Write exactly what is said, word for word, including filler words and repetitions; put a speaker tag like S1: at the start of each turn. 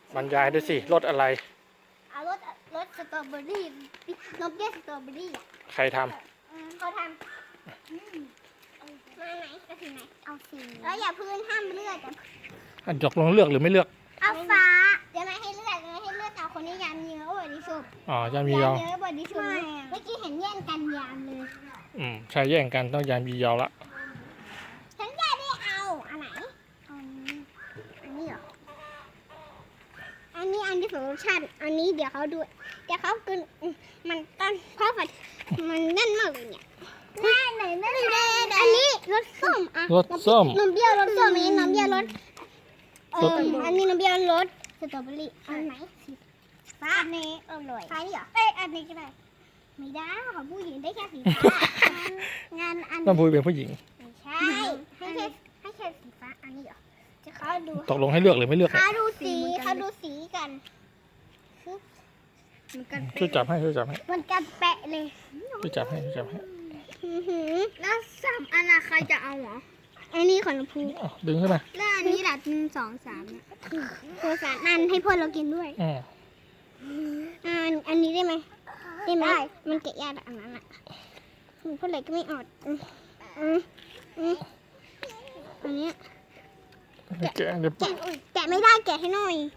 S1: บรรยายด้วยสิรสอะไร
S2: เอารสรสสตรอเบอรี่นมเปรี้ยวสตรอเบอรี่อ่ะ
S1: ใครท
S2: เขาทำมาไหนก็ถึงไหนเอาสีแล้วอย่าพื้นห้ามเลือด
S1: ำอันจกลงเลือกหรือไม่เลือก
S2: เอาฟ้าเดี๋ยวไม่ให้เลือดไม่ให้เลือดเอาคนนี้ยามเยอะบอดี้สุบ
S1: อ๋อจะมี
S2: ยาย
S1: อ
S2: มเยอะบอดี้สุบเมื่อกี้เห็นแย่งกันยามเลย
S1: อืมใช่แย่งกันต้องยามียอละ
S2: ฉันจะได้เอาอันไหนอันนี้อันนี้เหรออันนี้อันที่สองรสชาติอันนี้เดี๋ยวเขาดูเดี๋ยวเขากินมันต้นเพราะมันมันแน่นมากเลยเนี่ยแน่ไหนแน่อันนี้รสส้มอ่ะ
S1: รสส้ม
S2: นมเปรี้ยวรสส้มอันนี้นมเปรี้ยวรสเอออันนี้นมเปรี้ยวรสสตรอเบอรี่อันไหนฟ้าอันนี้อร่อยฟ้านี่เหรอเอ้ยอันนี้ก็ได้ไม่ได้ของผู้หญิงได้แค่สีฟ้างานอัน
S1: น้ำพุยเป็นผู้หญิง
S2: ไม่ใช่ให้แค่ให้แค่สีฟ้าอันนี้เหรอจะเขาดู
S1: ตกลงให้เลือกหรือไม่เลือก
S2: เขาดูสีเขาดูสีกันมันกัน
S1: ช่วยจับให้ช่วยจับให้
S2: มันกันแปะเลย
S1: ช่วยจับให้ช่วยจับให้
S2: แล้วสามอันอะใครจะเอาเหรออันนี้ของพู
S1: อ๋อดึงขึ้นมา
S2: แล้วอันนี้ล่ะหนึ่งสองสามเนี่ยตัวสามอันให้พ่อเรากินด้วย
S1: อืม
S2: อันอันนี้ได้ไหมได้ไหมมันเกะยากอันนั้นอ่ะพ่อเลยก็ไม่อดอืมอืมอืมอันนี้
S1: แกะเดี๋ยว
S2: แกะแกะไม่ได้แกะให้หน่อย